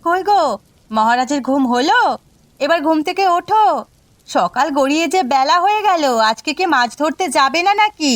কই গো, মহারাজের ঘুম হলো? এবার ঘুম থেকে ওঠো। সকাল গড়িয়ে যে বেলা হয়ে গেল, আজকে কি মাছ ধরতে যাবে না নাকি?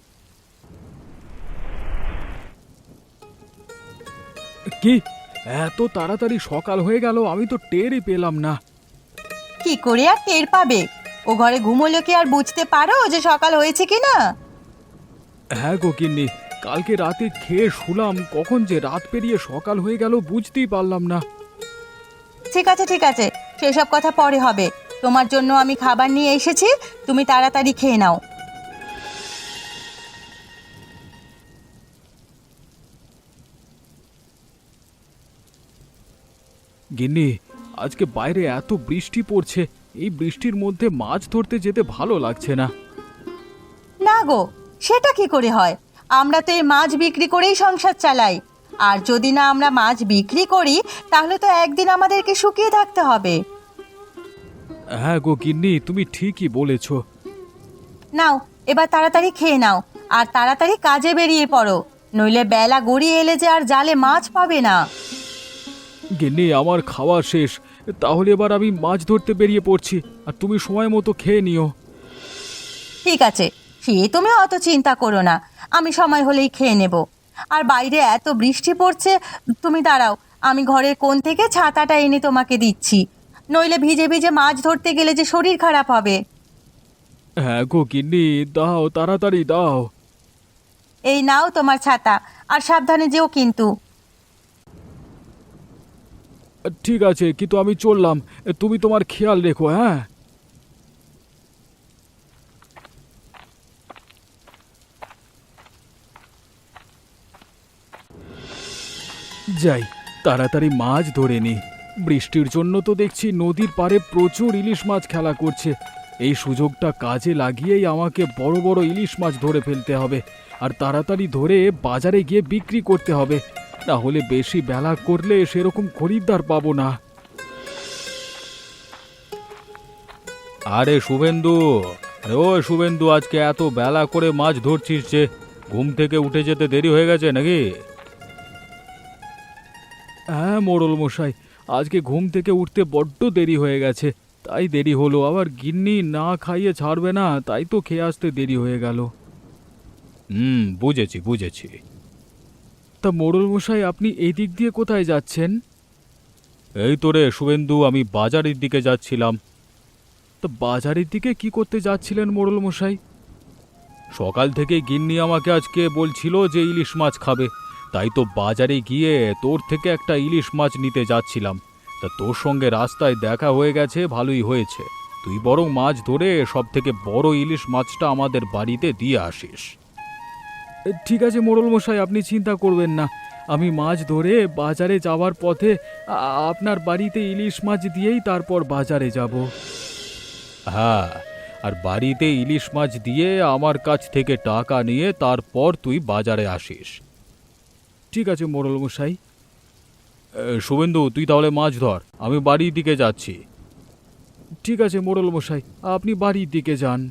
কি এত তাড়াতাড়ি সকাল হয়ে গেল, আমি তো টেরই পেলাম না। কি করে আর টের পাবে? ও ঘরে ঘুমোলে কি আর বুঝতে পারো যে সকাল হয়েছে কি না? হ্যাঁ গো গিন্নি, কালকে রাতে খেয়ে শুলাম, কখন যে রাত পেরিয়ে সকাল হয়ে গেল বুঝতেই পারলাম না। ঠিক আছে ঠিক আছে, সেসব কথা পরে হবে। তোমার জন্য আমি খাবার নিয়ে এসেছি, তুমি তাড়াতাড়ি খেয়ে নাও। গিন্নি, আজকে বাইরে এত বৃষ্টি পড়ছে, এই বৃষ্টির মধ্যে মাছ ধরতে যেতে ভালো লাগছে না। না গো, সেটা কি করে হয়? আমরা তো এই মাছ বিক্রি করেই সংসার চালাই। আর যদি না আমরা মাছ বিক্রি করি, তাহলে তো একদিন আমাদেরকে শুকিয়ে থাকতে হবে। হ্যাঁ গো গিন্নি, তুমি ঠিকই বলেছ। নাও, এবার তাড়াতাড়ি খেয়ে নাও, আর তাড়াতাড়ি কাজে বেরিয়ে পড়ো, নইলে বেলা গড়িয়ে এলে যে আর জালে মাছ পাবে না। গিন্নি, আমার খাওয়া শেষ, তাহলে এবার আমি মাছ ধরতে বেরিয়ে পড়ছি, আর তুমি সময় মতো খেয়ে নিও। ঠিক আছে, সে তুমি অত চিন্তা করো না, আমি সময় হলেই খেয়ে নেব। আর বাইরে এত বৃষ্টি পড়ছে, তুমি দাঁড়াও, আমি ঘরের কোণ থেকে ছাতাটা এনে তোমাকে দিচ্ছি, নইলে ভিজে ভিজে মাছ ধরতে গেলে যে শরীর খারাপ হবে। হ্যাঁ গো গিন্নি, দাও, তাড়াতাড়ি দাও। এই নাও তোমার ছাতা, আর সাবধানে যেও কিন্তু। ঠিক আছে, কিন্তু আমি চললাম, তুমি তোমার খেয়াল রেখো। হ্যাঁ। যাই, তাড়াতাড়ি মাছ ধরে নি। বৃষ্টির জন্য তো দেখছি নদীর পাড়ে প্রচুর ইলিশ মাছ খেলা করছে। এই সুযোগটা কাজে লাগিয়েই আমাকে বড় বড় ইলিশ মাছ ধরে ফেলতে হবে, আর তাড়াতাড়ি ধরে বাজারে গিয়ে বিক্রি করতে হবে, না হলে বেশি বেলা করলে সেরকম খরিদ্দার পাবো না। আরে শুভেন্দু, আরে ও শুভেন্দু, আজকে এত বেলা করে মাছ ধরছিস যে? ঘুম থেকে উঠে যেতে দেরি হয়ে গেছে নাকি? হ্যাঁ মোড়ল মশাই, আজকে ঘুম থেকে উঠতে বড্ড দেরি হয়ে গেছে, তাই দেরি হলো। আবার গিন্নি না খাইয়ে ছাড়বে না, তাই তো খেয়ে আসতে দেরি হয়ে গেল। বুঝেছি বুঝেছি। তা মোড়ল মশাই, আপনি এই দিক দিয়ে কোথায় যাচ্ছেন? এই তো রে শুভেন্দু, আমি বাজারের দিকে যাচ্ছিলাম। তা বাজারের দিকে কি করতে যাচ্ছিলেন মোড়ল মশাই? সকাল থেকে গিন্নি আমাকে আজকে বলছিল যে ইলিশ মাছ খাবে, তাই তো বাজারে গিয়ে তোর থেকে একটা ইলিশ মাছ নিতে যাচ্ছিলাম। তা তোর সঙ্গে রাস্তায় দেখা হয়ে গেছে, ভালোই হয়েছে। তুই বরং মাছ ধরে সব থেকে বড় ইলিশ মাছটা আমাদের বাড়িতে দিয়ে আসিস। ঠিক আছে মোড়ল মশাই, আপনি চিন্তা করবেন না, আমি মাছ ধরে বাজারে যাওয়ার পথে আপনার বাড়িতে ইলিশ মাছ দিয়েই তারপর বাজারে যাব। হ্যাঁ, আর বাড়িতে ইলিশ মাছ দিয়ে আমার কাছ থেকে টাকা নিয়ে তারপর তুই বাজারে আসিস। ঠিক আছে মোড়ল মশাই। শুভেন্দু, তুই তাহলে মাছ ধর, আমি বাড়ির দিকে যাচ্ছি। ঠিক আছে মোড়ল মশাই, আপনি বাড়ির দিকে যান।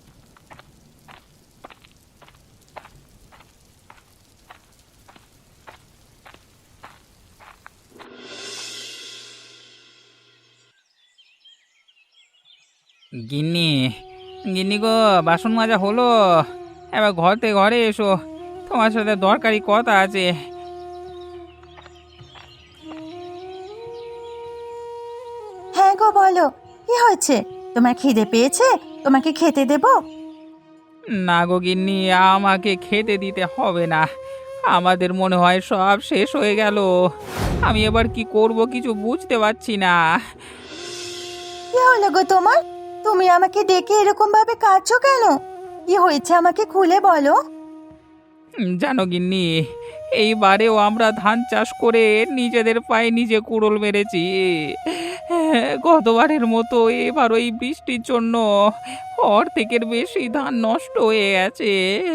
গিন্নি, গিন্নি গো, বাসন মাজা হলো? এবার ঘরে এসো, তোমার সাথে দরকারি কথা আছে। হ্যাঁ গো, বলো, কি হয়েছে? তোমার খিদে পেয়েছে? তোমাকে খেতে দেবো? না গো গিন্নি, আমাকে খেতে দিতে হবে না, আমাদের মনে হয় সব শেষ হয়ে গেল। আমি এবার কি করব কিছু বুঝতে পারছি না। কি হলো গো তোমার? তুমি আমাকে ডেকে এরকম ভাবে কাঁদছো কেন? কি হয়েছে আমাকে খুলে বলো। জানো গিন্নি, এইবারেও আমরা ধান চাষ করে নিজেদের পায়ে নিজে কুড়োল মেরেছি। গতবারের মতো এবার ওই বৃষ্টির জন্য অর্ধেকের বেশি ধান নষ্ট হয়ে গেছে।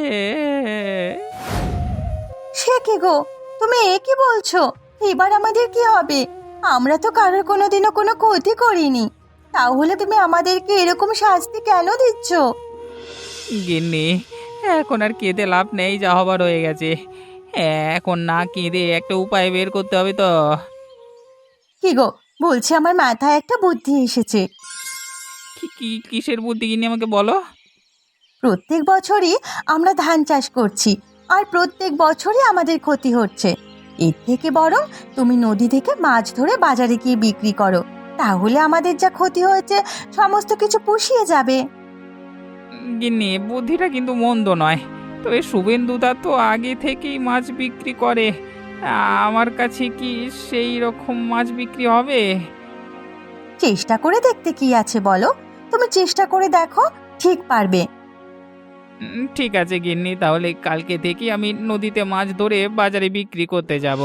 সে কি গো, তুমি এ কি বলছো? এবার আমাদের কি হবে? আমরা তো কারোর কোনোদিনও কোনো ক্ষতি করিনি, তাহলে তুমি আমাদেরকে এরকম শাস্তি কেন দিচ্ছ? গিন্নি, এখন আর কেঁদে লাভ নেই, যা হবার হয়ে গেছে। এখন না কেঁদে একটা উপায় বের করতে হবে তো। কি গো, বলছি আমার মাথায় একটা বুদ্ধি এসেছে। কিসের বুদ্ধি গিন্নি আমাকে বলো। প্রত্যেক বছরই আমরা ধান চাষ করছি, আর প্রত্যেক বছরই আমাদের ক্ষতি হচ্ছে। এর থেকে বরং তুমি নদী থেকে মাছ ধরে বাজারে গিয়ে বিক্রি করো, তাহলে আমাদের যা ক্ষতি হয়েছে সমস্ত কিছু পুষিয়ে যাবে। গিন্নি, বুদ্ধিটা কিন্তু মন্দ নয়, তবে শুভেন্দুদা তো আগে থেকেই মাছ বিক্রি করে। আমার কাছে কি সেই রকম মাছ বিক্রি হবে? চেষ্টা করে দেখতে কি আছে বলো, তুমি চেষ্টা করে দেখো, ঠিক পারবে। ঠিক আছে গিন্নি, তাহলে কালকে থেকে আমি নদীতে মাছ ধরে বাজারে বিক্রি করতে যাব।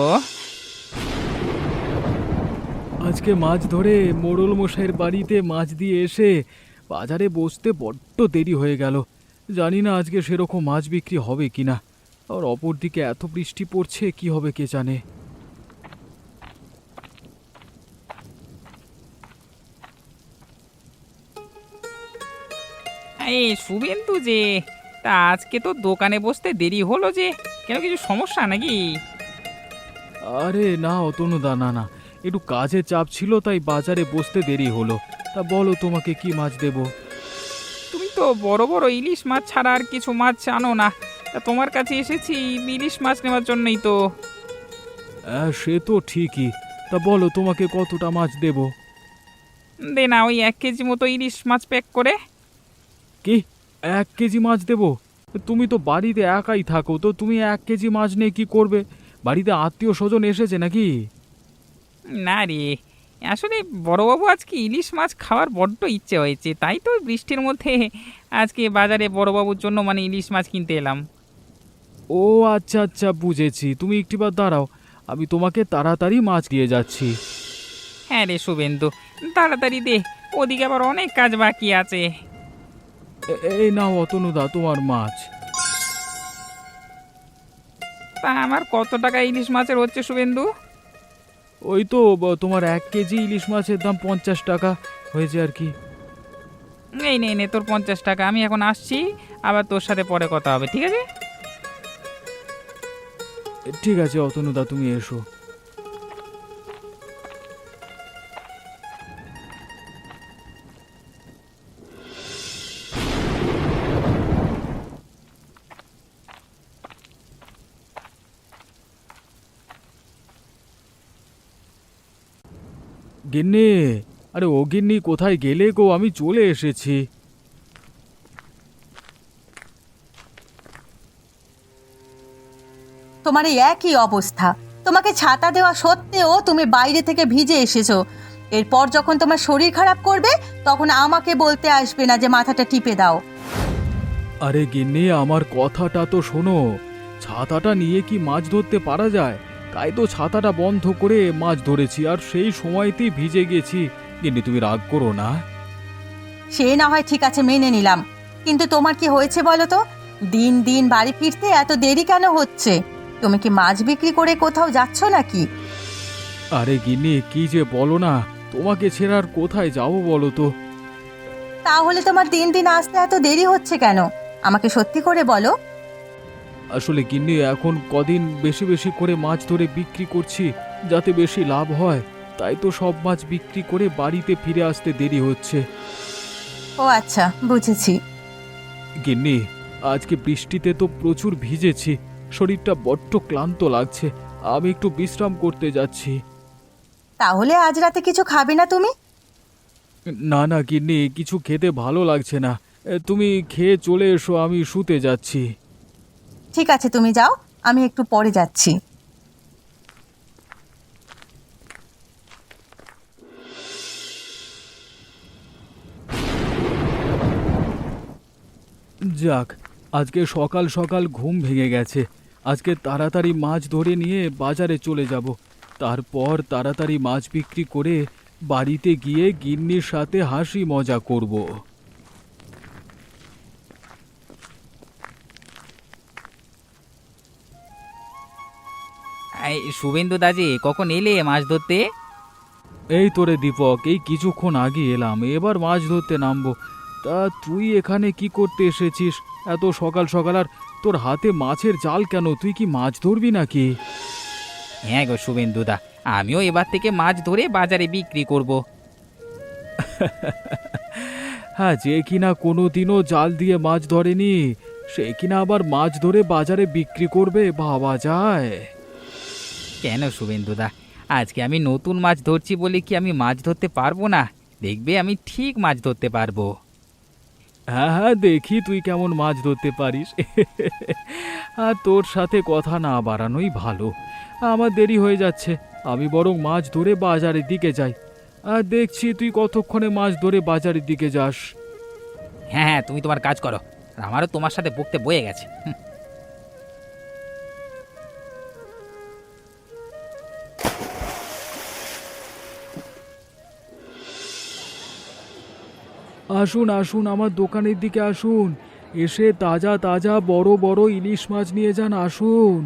আজকে মাছ ধরে মোড়ল মশাইয়ের বাড়িতে মাছ দিয়ে এসে বাজারে বসতে বড্ড দেরি হয়ে গেল। জানি না আজকে সেরকম মাছ বিক্রি হবে কিনা। আর অপরদিকে এত বৃষ্টি পড়ছে, কি হবে কে জানে। এই শুভেন্দু যে, তা আজকে তো দোকানে বসতে দেরি হলো যে, কেন কিছু সমস্যা নাকি? আরে না অতনুদা, না না, একটু কাজের চাপ ছিল তাই বাজারে বসতে দেরি হলো। তা বলো তোমাকে কি মাছ দেব? তুমি তো বড় বড় ইলিশ মাছ ছাড়া আর কিছু মাছ আনো না, তা তোমার কাছে এসেছি ইলিশ মাছ নেওয়ার জন্যই তো। সে তো ঠিকই। তা বলো তোমাকে কতটা মাছ দেব? দে না, ওই 1 কেজি মতো ইলিশ মাছ প্যাক করে। কি, 1 কেজি মাছ দেব? তুমি তো বাড়িতে একাই থাকো, তো তুমি 1 কেজি মাছ নিয়ে কি করবে? বাড়িতে আত্মীয় স্বজন এসেছে নাকি? না রে, আসলে বড়বাবু আজকে ইলিশ মাছ খাওয়ার বড্ড ইচ্ছে হয়েছে, তাই তো বৃষ্টির মধ্যে আজকে বাজারে বড়বাবুর জন্য মানে ইলিশ মাছ কিনতে এলাম। ও আচ্ছা আচ্ছা, বুঝেছি। তুমি একটিবার দাঁড়াও, আমি তোমাকে তাড়াতাড়ি মাছ দিয়ে যাচ্ছি। হ্যাঁ রে শুভেন্দু, তাড়াতাড়ি দে, ওদিকে আবার অনেক কাজ বাকি আছে। এই নাও অতনুদা তোমার মাছ। তা আমার কত টাকা ইলিশ মাছের হচ্ছে শুভেন্দু? ওই তো তোমার 1 কেজি ইলিশ মাছের দাম 50 টাকা হয়েছে আর কি। এই নে নে তোর 50 টাকা, আমি এখন আসছি, আবার তোর সাথে পরে কথা হবে, ঠিক আছে? ঠিক আছে অতনুদা, তুমি এসো। গিন্নি, আরে ও গিন্নি, কোথায় গেলে গো? আমি চলে এসেছি। তোমার এই একই অবস্থা, তোমাকে ছাতা দেওয়া সত্ত্বেও তুমি বাইরে থেকে ভিজে এসেছো। এরপর যখন তোমার শরীর খারাপ করবে তখন আমাকে বলতে আসবে না যে মাথাটা টিপে দাও। আরে গিন্নি, আমার কথাটা তো শোনো। ছাতাটা নিয়ে কি মাছ ধরতে পারা যায়? তাই তো ছাতাটা বন্ধ করে মাছ ধরেছি, আর সেই সময়তেই ভিজে গেছি। গিন্নি তুমি রাগ করো না। সে না হয় ঠিক আছে, মেনে নিলাম, কিন্তু তোমার কি হয়েছে বলো তো? দিন দিন বাড়ি ফিরতে এত দেরি কেন হচ্ছে? তুমি কি মাছ বিক্রি করে কোথাও যাচ্ছ নাকি? আরে গিন্নি, কি যে বলো না, তোমাকে ছেড়ে আর কোথায় যাবো বলো তো? তাহলে তোমার দিন দিন আসতে এত দেরি হচ্ছে কেন? আমাকে সত্যি করে বলো। আসলে গিন্নি, এখন কদিন বেশি বেশি করে মাছ ধরে বিক্রি করছি, যাতে বেশি লাভ হয়। তাই তো সব মাছ বিক্রি করে বাড়িতে ফিরে আসতে দেরি হচ্ছে। ও আচ্ছা, বুঝেছি। গিন্নি, আজকে বৃষ্টিতে তো প্রচুর ভিজেছি, শরীরটা বড্ড ক্লান্ত লাগছে। আমি একটু বিশ্রাম করতে যাচ্ছি। তাহলে আজ রাতে কিছু খাবে না তুমি? না না গিন্নি, কিছু খেতে ভালো লাগছে না। তুমি খেয়ে চলে এসো, আমি শুতে যাচ্ছি। ঠিক আছে, তুমি যাও, আমি একটু পরে যাচ্ছি। যাক, আজকে সকাল সকাল ঘুম ভেঙে গেছে। আজকে তাড়াতাড়ি মাছ ধরে নিয়ে বাজারে চলে যাব। তারপর তাড়াতাড়ি মাছ বিক্রি করে বাড়িতে গিয়ে গিন্নির সাথে হাসি মজা করব। এই শুভেন্দু দাজি, কখন এলে মাছ ধরতে? এই তোরে দীপক, এই কিছুক্ষণ আগে এলাম, এবার মাছ ধরতে নামবো। তা তুই এখানে কি করতে এসেছিস এত সকাল সকাল? আর তোর হাতে মাছের জাল কেন? তুই কি মাছ ধরবি নাকি? হ্যাঁ গো শুভেন্দুদা, আমিও এবার থেকে মাছ ধরে বাজারে বিক্রি করব। হ্যাঁ, যে কিনা কোনোদিনও জাল দিয়ে মাছ ধরেনি সে কিনা আবার মাছ ধরে বাজারে বিক্রি করবে, ভাবা যায়? কেন শুভেন্দুদা, আজকে আমি নতুন মাছ ধরছি বলে কি আমি মাছ ধরতে পারবো না? দেখবে আমি ঠিক মাছ ধরতে পারবো। হ্যাঁ হ্যাঁ, দেখি তুই কেমন মাছ ধরতে পারিস। আর তোর সাথে কথা না বাড়ানোই ভালো, আমার দেরি হয়ে যাচ্ছে। আমি বরং মাছ ধরে বাজারের দিকে যাই। আর দেখছি তুই কতক্ষণে মাছ ধরে বাজারের দিকে যাস। হ্যাঁ হ্যাঁ, তুমি তোমার কাজ করো, আর আমারও তোমার সাথে বকতে বয়ে গেছে। আসুন আসুন, আমার দোকানের দিকে আসুন, এসে তাজা তাজা বড় বড় ইলিশ মাছ নিয়ে যান, আসুন।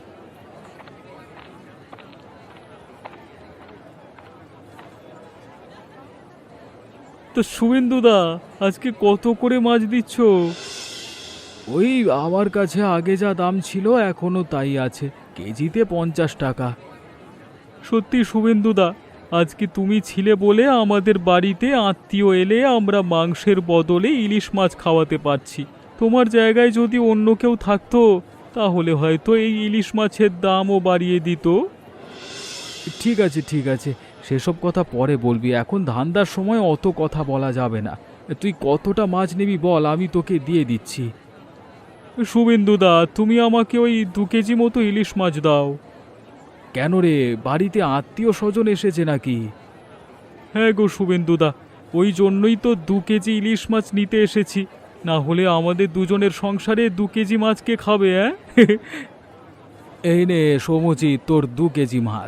তো শুভেন্দুদা, আজকে কত করে মাছ দিচ্ছ? ওই আমার কাছে আগে যা দাম ছিল এখনো তাই আছে, কেজিতে 50 টাকা। সত্যি শুভেন্দুদা, আজকে তুমি ছিলে বলে আমাদের বাড়িতে আত্মীয় এলে আমরা মাংসের বদলে ইলিশ মাছ খাওয়াতে পারছি। তোমার জায়গায় যদি অন্য কেউ থাকতো তাহলে হয়তো এই ইলিশ মাছের দামও বাড়িয়ে দিত। ঠিক আছে ঠিক আছে, সেসব কথা পরে বলবি, এখন ধান্দার সময় অত কথা বলা যাবে না। তুই কতটা মাছ নিবি বল, আমি তোকে দিয়ে দিচ্ছি। শুভেন্দুদা, তুমি আমাকে ওই 2 কেজি মতো ইলিশ মাছ দাও। কেন রে, বাড়িতে আত্মীয় স্বজন এসেছে নাকি? হ্যাঁ গো শুভেন্দুদা, ওই জন্যই তো 2 কেজি ইলিশ মাছ নিতে এসেছি, না হলে আমাদের দুজনের সংসারে 2 কেজি মাছ কে খাবে? হ্যাঁ, এই নে সমুচিত তোর 2 কেজি মাছ।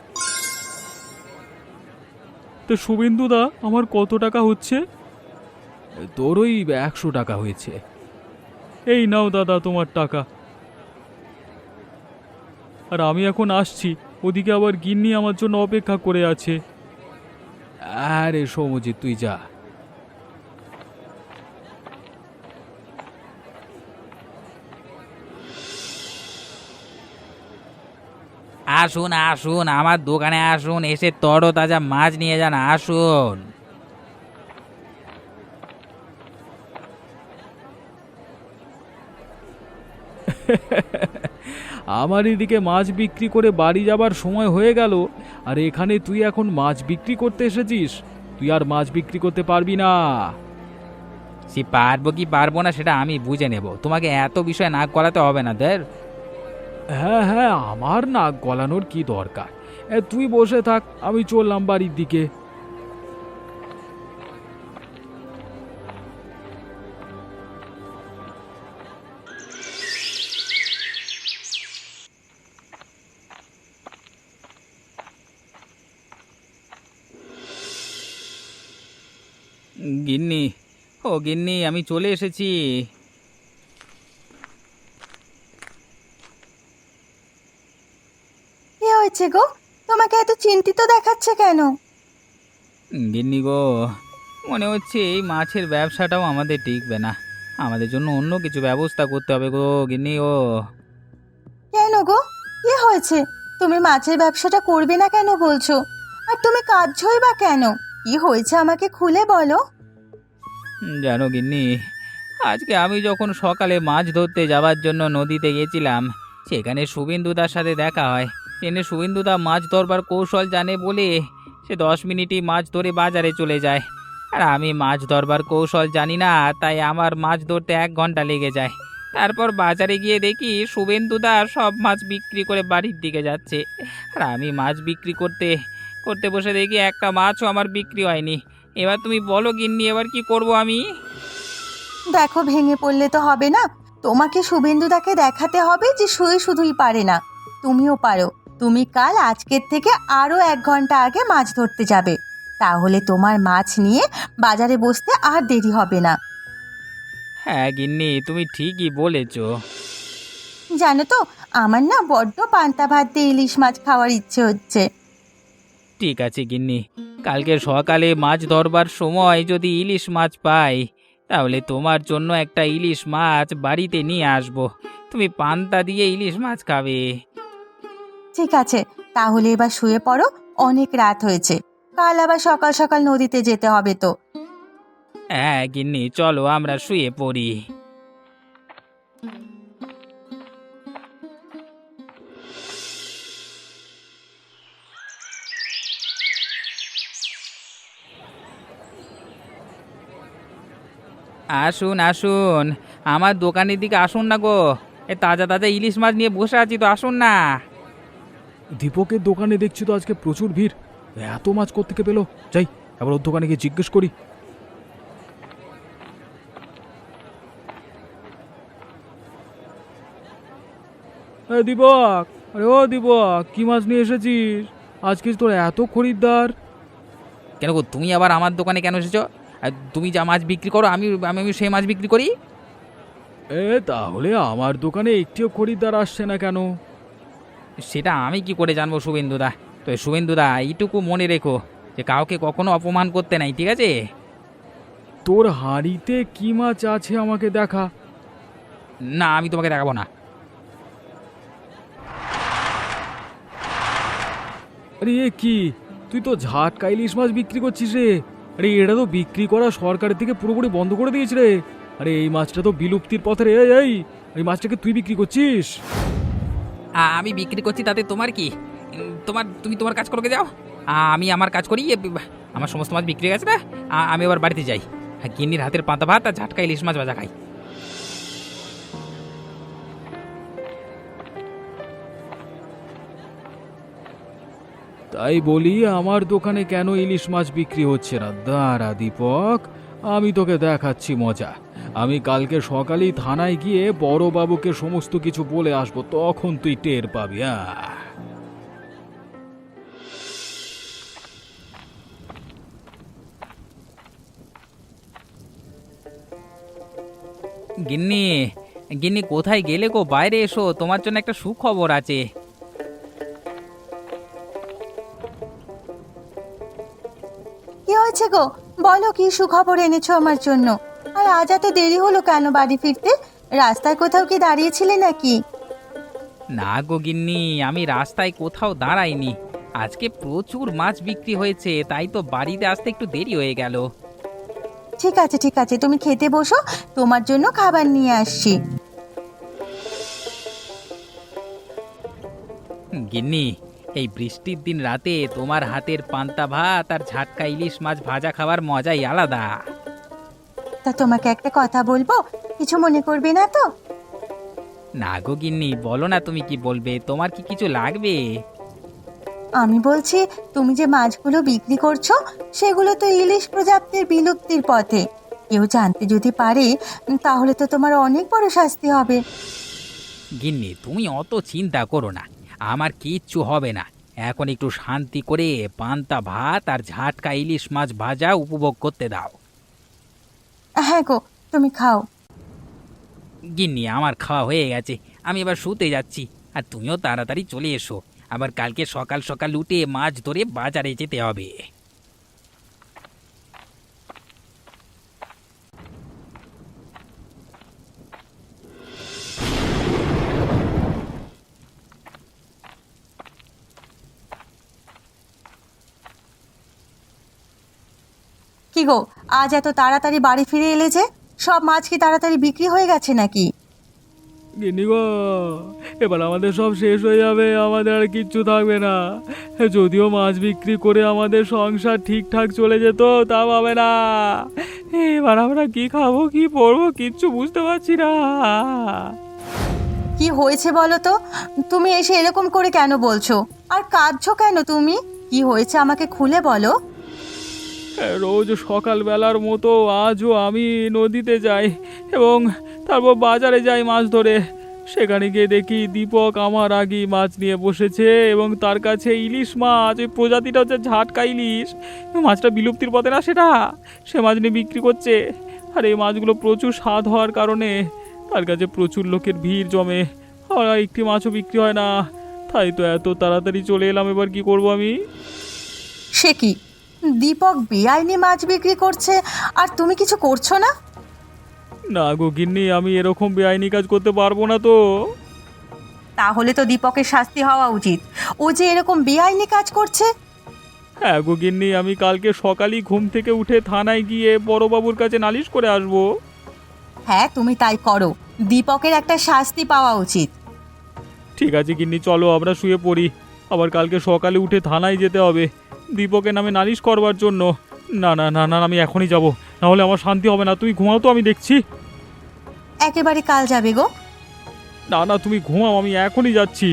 তো শুভেন্দুদা, আমার কত টাকা হচ্ছে? তোর ওই 100 টাকা হয়েছে। এই নাও দাদা তোমার টাকা। আর আমি এখন আসছি, ওদিকে আবার গিন্নি আমার জন্য অপেক্ষা করে আছে। আরে সমজিৎ, তুই যা। আসুন আসুন, আমার দোকানে আসুন, এসে তরতাজা মাছ নিয়ে যান, আসুন। আমার এদিকে মাছ বিক্রি করে বাড়ি যাবার সময় হয়ে গেল, আর এখানে তুই এখন মাছ বিক্রি করতে এসেছিস? তুই আর মাছ বিক্রি করতে পারবি না। সে পারবো কি পারবো না সেটা আমি বুঝে নেব, তোমাকে এত বিষয় নাক গলাতে হবে না দের। হ্যাঁ হ্যাঁ, আমার নাক গলানোর কি দরকার? তুই বসে থাক, আমি চললাম বাড়ির দিকে। গিন্নি, ও গিন্নি, আমি চলে এসেছি। কি হয়েছে গো? তোমাকে এত চিন্তিত দেখাচ্ছে কেন? গিন্নি গো, মনে হচ্ছে এই মাছের ব্যবসাটাও আমাদের টিকবে না, আমাদের জন্য অন্য কিছু ব্যবস্থা করতে হবে গো গিন্নি গো। কেন গো, কি হয়েছে? তুমি মাছের ব্যবসাটা করবে না কেন বলছো? আর তুমি কাঁদছোই বা কেন? কি হয়েছে আমাকে খুলে বলো। জানো গিন্নি, আজকে আমি যখন সকালে মাছ ধরতে যাওয়ার জন্য নদীতে গেছিলাম, সেখানে শুভেন্দুদার সাথে দেখা হয়। ট্রেনে শুভেন্দুদা মাছ ধরবার কৌশল জানে বলে সে 10 মিনিটই মাছ ধরে বাজারে চলে যায়। আর আমি মাছ ধরবার কৌশল জানি না, তাই আমার মাছ ধরতে 1 ঘন্টা লেগে যায়। তারপর বাজারে গিয়ে দেখি শুভেন্দুদা সব মাছ বিক্রি করে বাড়ির দিকে যাচ্ছে, আর আমি মাছ বিক্রি করতে করতে বসে দেখি একটা মাছও আমার বিক্রি হয়নি। এবার তুমি বলো গিন্নি, এবার কি করব আমি? দেখো, ভেঙে পড়লে তো হবে না। তোমাকে শুভেন্দুদাকে দেখাতে হবে যে শুধুই পারে না, তুমিও পারো। তুমি কাল আজকের থেকে আরো 1 ঘন্টা আগে মাছ ধরতে যাবে, তাহলে তোমার মাছ নিয়ে বাজারে বসতে আর দেরি হবে না। হ্যাঁ গিন্নি, তুমি ঠিকই বলেছ। জানো তো, আমার না বড্ড পান্তা ভাত দিয়ে ইলিশ মাছ খাওয়ার ইচ্ছে হচ্ছে। ঠিক আছে গিন্নি, কালকে সকালে মাছ ধরবার সময় যদি ইলিশ মাছ পাই, তাহলে তোমার জন্য একটা ইলিশ মাছ বাড়িতে নিয়ে আসবো। তুমি পান্তা দিয়ে ইলিশ মাছ খাবে। ঠিক আছে, তাহলে এবার শুয়ে পড়ো, অনেক রাত হয়েছে। কাল আবার সকাল সকাল নদীতে যেতে হবে তো। হ্যাঁ গিন্নি, চলো আমরা শুয়ে পড়ি। আসুন আসুন, আমার দোকানের দিকে আসুন না গো। এ তাজা তাজা ইলিশ মাছ নিয়ে বসে আছি তো, আসুন না। দীপকের দোকানে দেখছি তো আজকে প্রচুর ভিড়। এত মাছ কোত্থেকে পেলো? যাই, এবার ওর দোকানে গিয়ে জিজ্ঞেস করি। দীপক, আরে ও দীপক, কি মাছ নিয়ে এসেছিস? আজকে তোর এত খরিদ্দার। কেন গো, তুমি আবার আমার দোকানে কেন এসেছো? আর তুমি যা মাছ বিক্রি করো আমি আমি আমি সেই মাছ বিক্রি করি। তাহলে আমার দোকানে একটিও খরিদ্দার আসছে না কেন? সেটা আমি কি করে জানবো শুভেন্দুদা? তো শুভেন্দুদা, এইটুকু মনে রেখো যে কাউকে কখনো অপমান করতে নাই, ঠিক আছে? তোর হাঁড়িতে কি মাছ আছে আমাকে দেখা। না, আমি তোমাকে দেখাবো না। আরে এ কি, তুই তো ঝাটকা ইলিশ মাছ বিক্রি করছিস রে? আরে এটা তো বিক্রি করা সরকারের থেকে পুরোপুরি বন্ধ করে দিয়েছে রে। আরে এই মাছটা তো বিলুপ্তির পথে রে। এই মাছটাকে তুই বিক্রি করছিস? আমি বিক্রি করছি, তাতে তোমার কি? তুমি তোমার কাজ করকে যাও। আমি আমার কাজ করি। আমার সমস্ত মাছ বিক্রি হয়ে গেছে না। আমি আবার বাড়িতে যাই। গিন্নির হাতের পান্তা ভাত আর ঝাটকা ইলিশ মাছ ভাজা খাই। তাই বলি আমার দোকানে কেন ইলিশ মাছ বিক্রি হচ্ছে না? দাঁড়া দীপক, আমি তোকে দেখাচ্ছি মজা। আমি কালকে সকালেই থানায় গিয়ে বড়বাবুকে সমস্ত কিছু বলে আসবো, তখন তুই টের পাবি। গিন্নি, গিন্নি কোথায় গেলে গো? বাইরে এসো, তোমার জন্য একটা সুখবর আছে। কি হয়েছে গো? বলো, কি সুখবর এনেছো আমার জন্য? আর আজ এত দেরি হলো কেন বাড়ি ফিরতে? রাস্তায় কোথাও কি দাঁড়িয়েছিলে নাকি? না গো গিন্নি, আমি রাস্তায় কোথাও দাঁড়াইনি। আজকে প্রচুর মাছ বিক্রি হয়েছে, তাই তো বাড়িতে আসতে একটু দেরি হয়ে গেল। ঠিক আছে ঠিক আছে, তুমি খেতে বসো, তোমার জন্য খাবার নিয়ে আসছি। গিন্নি, এই বৃষ্টির দিন রাতে তোমার হাতের পান্তা ভাত আর ঝাটকা ইলিশ মাছ ভাজা খাওয়ার মজাই আলাদা। তা তোমাকে একটা কথা বলবো, কিছু মনে করবে না তো? না গো গিন্নি, বলো না, তুমি কি বলবে? তোমার কি কিছু লাগবে? আমি বলছি, তুমি যে মাছগুলো বিক্রি করছো সেগুলো তো ইলিশ প্রজাতির বিলুপ্তির পথে। কেউ জানতে যদি পারে, তাহলে তো তোমার অনেক বড় শাস্তি হবে। গিন্নি, তুমি অত চিন্তা করো না, আমার কিচ্ছু হবে না। এখন একটু শান্তি করে পান্তা ভাত আর ঝাটকা ইলিশ মাছ ভাজা উপভোগ করতে দাও। হ্যাঁ গো, তুমি খাও। গিন্নি, আমার খাওয়া হয়ে গেছে, আমি এবার শুতে যাচ্ছি। আর তুমিও তাড়াতাড়ি চলে এসো, আবার কালকে সকাল সকাল উঠে মাছ ধরে বাজারে যেতে হবে। কি গো, আজ এত তাড়াতাড়ি বাড়ি ফিরে এলে যে? সব মাছ কি তাড়াতাড়ি বিক্রি হয়ে গেছে নাকি? গিন্নি গো, এবার আমাদের সব শেষ হয়ে যাবে, আমাদের আর কিচ্ছু থাকবে না। যদিও মাছ বিক্রি করে আমাদের সংসার ঠিকঠাক চলে যেত, তা পাবে না। এবার আমরা কি খাবো, কি পরবো, কিচ্ছু বুঝতে পারছি না। কি হয়েছে বলো তো? তুমি এসে এরকম করে কেন বলছো? আর কাঁদছো কেন তুমি? কি হয়েছে আমাকে খুলে বলো। রোজ সকালবেলার মতো আজও আমি নদীতে যাই এবং তারপর বাজারে যাই মাছ ধরে। সেখানে গিয়ে দেখি দীপক আমার আগেই মাছ নিয়ে বসেছে এবং তার কাছে ইলিশ মাছ, ওই প্রজাতিটা হচ্ছে ঝাটকা ইলিশ। মাছটা বিলুপ্তির পথে না সেটা, সে মাছ নিয়ে বিক্রি করছে। আর এই মাছগুলো প্রচুর স্বাদ হওয়ার কারণে তার কাছে প্রচুর লোকের ভিড় জমে, আর একটি মাছও বিক্রি হয় না। তাই তো এত তাড়াতাড়ি চলে এলাম, এবার কি করব আমি? সে কি, দীপক বেআইনি মাছ বিক্রি করছে আর তুমি কিছু করছো না? না গো গিন্নি, আমি এরকম বেআইনি কাজ করতে পারবো না তো। তাহলে তো দীপকের শাস্তি হওয়া উচিত। ও যে এরকম বেআইনি কাজ করছে। হ্যাঁ গো গিন্নি, আমি কালকে সকালেই ঘুম থেকে উঠে থানায় গিয়ে বড়বাবুর কাছে নালিশ করে আসবো। হ্যাঁ, তুমি তাই করো। দীপকের একটা শাস্তি পাওয়া উচিত। ঠিক আছে গিন্নি, চলো আমরা শুয়ে পড়ি। আবার কালকে সকালে উঠে থানায় যেতে হবে দীপকের নামে নালিশ করবার জন্য। না না না না, আমি এখনই যাব, নাহলে আমার শান্তি হবে না। তুমি ঘুমাও তো, আমি দেখছি। একেবারে কাল যাবে গো? না না, তুমি ঘুমাও, আমি এখনই যাচ্ছি।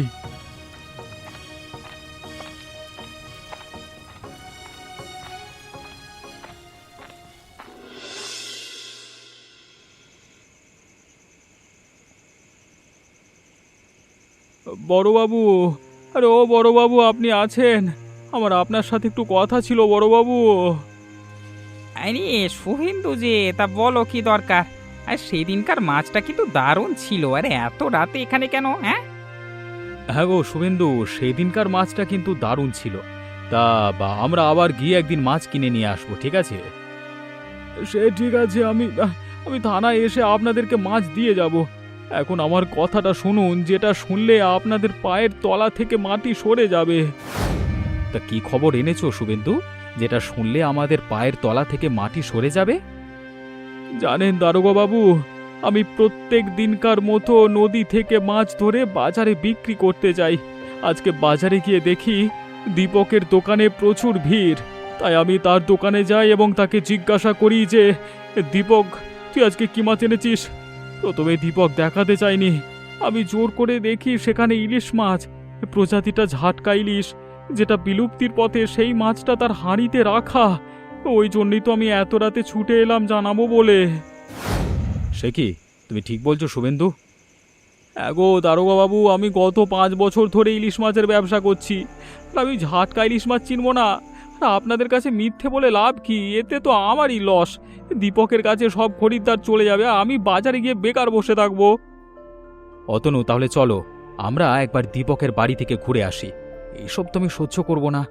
বড়বাবু, আরে ও বড়বাবু, আপনি আছেন? আমার আপনার সাথে একটু কথা ছিল বড়বাবু। আরে শুভেন্দু যে, তা বলো কি দরকার? আর সেদিনকার মাছটা কিন্তু দারুণ ছিল। আরে এত রাতে এখানে কেন? হ্যাঁ, হ্যাঁ গো শুভেন্দু, সেদিনকার মাছটা কিন্তু দারুণ ছিল। তা আমরা আবার গিয়ে একদিন মাছ কিনে নিয়ে আসবো, ঠিক আছে? সে ঠিক আছে, আমি থানায় এসে আপনাদেরকে মাছ দিয়ে যাব। এখন আমার কথাটা শুনুন, যেটা শুনলে আপনাদের পায়ের তলা থেকে মাটি সরে যাবে। তা কি খবর এনেছো শুভেন্দু, যেটা শুনলে আমাদের পায়ের তলা থেকে মাটি সরে যাবে? জানেন দারোগা বাবু, আমি প্রত্যেক দিনকার মতো নদী থেকে মাছ ধরে বাজারে বিক্রি করতে যাই। আজকে বাজারে গিয়ে দেখি দীপকের দোকানে প্রচুর ভিড়। তাই আমি তার দোকানে যাই এবং তাকে জিজ্ঞাসা করি যে, দীপক, তুই আজকে কি মাছ এনেছিস? প্রথমে দীপক দেখাতে চায়নি। আমি জোর করে দেখি সেখানে ইলিশ মাছ, প্রজাতিটা ঝাটকা ইলিশ, যেটা বিলুপ্তির পথে। সেই মাছটা তার হাঁড়িতে রাখা। ওই জন্যই তো আমি এত রাতে ছুটে এলাম জানাবো বলে। সে কি, তুমি ঠিক বলছো শুভেন্দু? গো দারোগা বাবু, আমি গত 5 বছর ধরে ইলিশ মাছের ব্যবসা করছি। আর আমি ঝাটকা ইলিশ মাছ চিনবো না? আর আপনাদের কাছে মিথ্যে বলে লাভ কি? এতে তো আমারই লস। দীপকের কাছে সব খরিদ্দার চলে যাবে, আর আমি বাজারে গিয়ে বেকার বসে থাকবো। অতনু, তাহলে চলো আমরা একবার দীপকের বাড়ি থেকে ঘুরে আসি। এইসব তো আমি সহ্য করব না।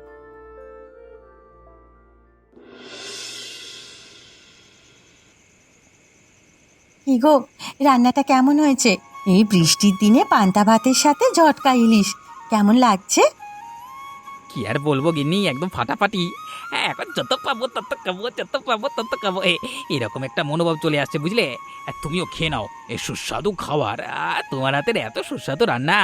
কি গো, রান্নাটা কেমন হয়েছে? এই বৃষ্টির দিনে পান্তা ভাতের সাথে ঝটকা ইলিশ কেমন লাগছে? কি আর বলবো গিন্নি, একদম ফাটাফাটি। হ্যাঁ, এখন যত পাবো তত খাবো, যত পাবো তত খাবো। এরকম একটা মনোভাব চলে আসছে, বুঝলে? আর তুমিও খেয়ে নাও এই সুস্বাদু খাবার। তোমার হাতের এত সুস্বাদু রান্না।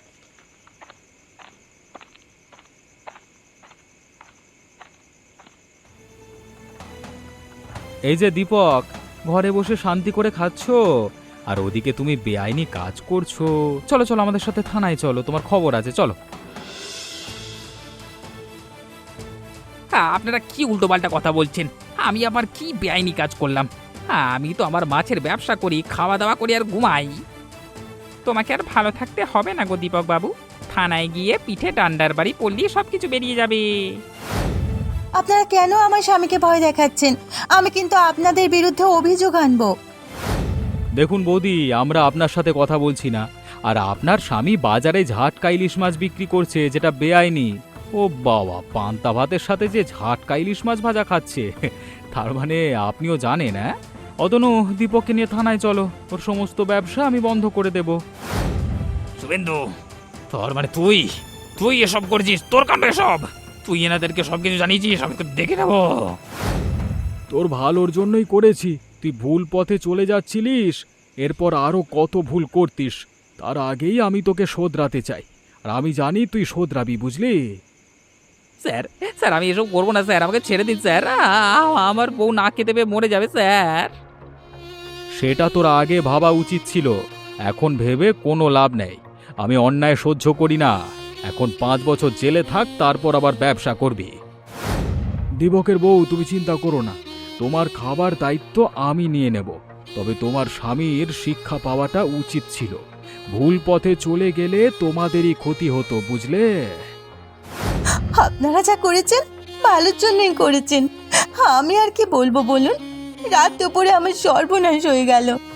এই যে দীপক, ঘরে বসে শান্তি করে খাচ্ছো, আর ওদিকে তুমি বেআইনি কাজ করছো। চলো চলো, আমাদের সাথে থানায় চলো, তোমার খবর আছে, চলো। আপনারা কি উল্টোপাল্টা কথা বলছেন? আমি আবার কি বেআইনি কাজ করলাম? আমি তো আমার মাছের ব্যবসা করি, খাওয়া দাওয়া করি আর ঘুমাই। তোমাকে আর ভালো থাকতে হবে না গো দীপক বাবু। থানায় গিয়ে পিঠে ডান্ডার বাড়ি পড়লেই সব কিছু বেরিয়ে যাবে। আপনারা কেন আমার স্বামীকে ভয় দেখাচ্ছেন? আমি কিন্তু আপনাদের বিরুদ্ধে অভিযোগ আনবো। দেখুন বৌদি, আমরা আপনার সাথে কথা বলছি না। আর আপনার স্বামী বাজারে ঝাটকা ইলিশ মাছ বিক্রি করছে, যেটা বেআইনি। ও বাবা, পান্তা ভাতের সাথে যে ঝাটকা ইলিশ মাছ ভাজা খাচ্ছে, তার মানে আপনিও জানেন? হ্যাঁ, অতনু, দীপককে নিয়ে থানায় চলো, ওর সমস্ত ব্যবসা আমি বন্ধ করে দেব। শুভেন্দু, তোর মানে তুই তুই এসব করেছিস? তোর কাণ্ড এসব? তুই এনাদেরকে সবকিছু জানিয়েছিস? আমি তো দেখে নেবো। তোর ভালোর জন্যই করেছি। তুই ভুল পথে চলে যাচ্ছিলিস, এরপর আরো কত ভুল করতিস। তার আগেই আমি তোকে শোধরাতে চাই, আর আমি জানি তুই শোধরাবি, বুঝলি? স্যার, স্যার আমি এসব করবো না স্যার, আমাকে ছেড়ে দিন স্যার। আমার বউ না খেতে পেয়ে মরে যাবে স্যার। সেটা তোর আগে ভাবা উচিত ছিল, এখন ভেবে কোনো লাভ নেই। আমি অন্যায় সহ্য করি না। এখন 5 বছর জেলে থাক, তারপর আবার ব্যবসা করবি। দিবকের বউ, তুমি চিন্তা করো না, তোমার খাবার দায়িত্ব আমি নিয়ে নেব। তবে তোমার স্বামীর শিক্ষা পাওয়াটা উচিত ছিল। ভুল পথে চলে গেলে তোমাদেরই ক্ষতি হতো, বুঝলে? আপনারা যা করেছেন ভালোর জন্যই করেছেন। আমি আর কি বলবো বলুন? রাত দুপুরে আমার সর্বনাশ হয়ে গেল।